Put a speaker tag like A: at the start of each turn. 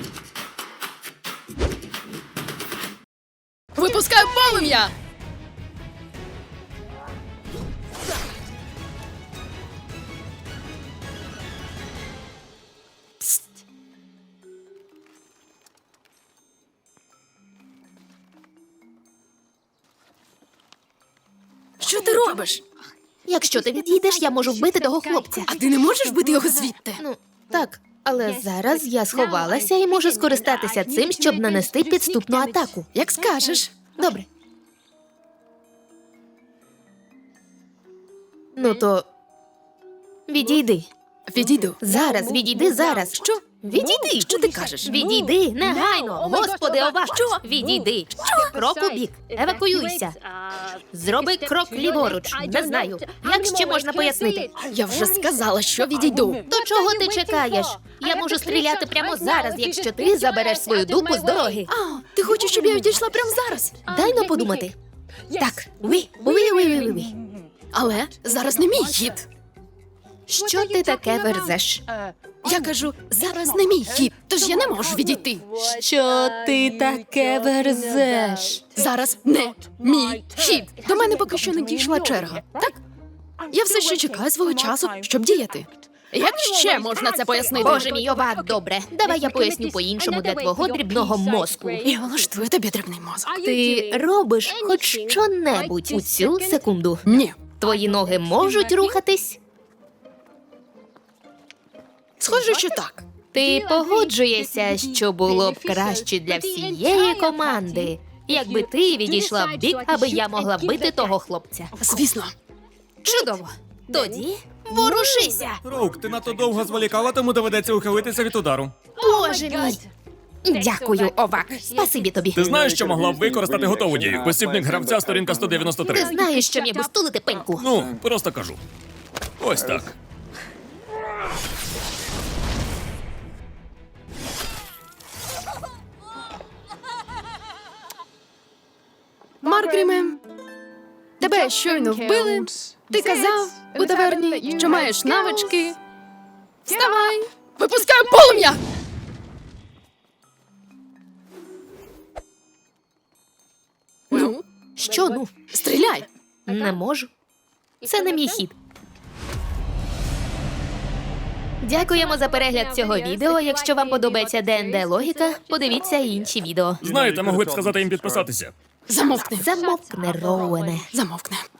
A: Випускаю полум'я! Пст. Що ти робиш?
B: Якщо ти відійдеш, я можу вбити того хлопця.
A: А ти не можеш бити його звідти?
B: Ну, так, але зараз я сховалася і можу скористатися цим, щоб нанести підступну атаку.
A: Як скажеш.
B: Добре. Ну то відійди.
A: Відійду.
B: Зараз, відійди зараз.
A: Що?
B: Відійди.
A: Що ти кажеш?
B: Відійди, негайно. Господи, ова. Що? Відійди. Крок у бік. Евакуюйся. Зроби крок ліворуч. Не знаю. Як ще можна пояснити?
A: Я вже сказала, що відійду.
B: То чого ти чекаєш? Я можу стріляти прямо зараз, якщо ти забереш свою дупу з дороги.
A: А, ти хочеш, щоб я відійшла прямо зараз?
B: Дай но подумати. Так, ви.
A: Але зараз не мій хід.
B: Що ти таке верзеш?
A: Я кажу, зараз не мій хід, тож я не можу відійти.
B: Що ти таке верзеш?
A: Зараз не мій хід. До мене поки що не дійшла черга. Так? Я все ще чекаю свого часу, щоб діяти. Як ще можна це пояснити?
B: Боже мій, ова, добре. Давай я поясню по-іншому для твого дрібного мозку.
A: Я влаштую тобі дрібний мозок.
B: Ти робиш хоч що-небудь у цю секунду.
A: Ні.
B: Твої ноги можуть рухатись?
A: Схоже, що так.
B: Ти погоджуєшся, що було б краще для всієї команди, якби ти відійшла в бік, аби я могла бити того хлопця.
A: Звісно.
B: Чудово. Тоді ворушися.
C: Роук, ти надто довго зволікала, тому доведеться ухилитися від удару.
B: Боже мій. Дякую, Овак. Спасибі тобі.
C: Ти знаєш, що могла б використати готову дію? Посібник гравця, сторінка
B: Ти
C: 193.
B: знаєш, що міг би стулити пеньку.
C: Ну, просто кажу. Ось так.
A: Маркріме, тебе щойно вбили. Ти казав у таверні, що маєш навички. Вставай! Випускаю полум'я! Ну,
B: Що, ну?
A: стріляй!
B: Не можу. Це не мій хід. Дякуємо за перегляд цього відео. Якщо вам подобається ДНД логіка, подивіться і інші відео.
C: Знаєте, могли б сказати їм підписатися.
A: Замовкни.
B: Замовкне, Роуене.
A: Замовкни.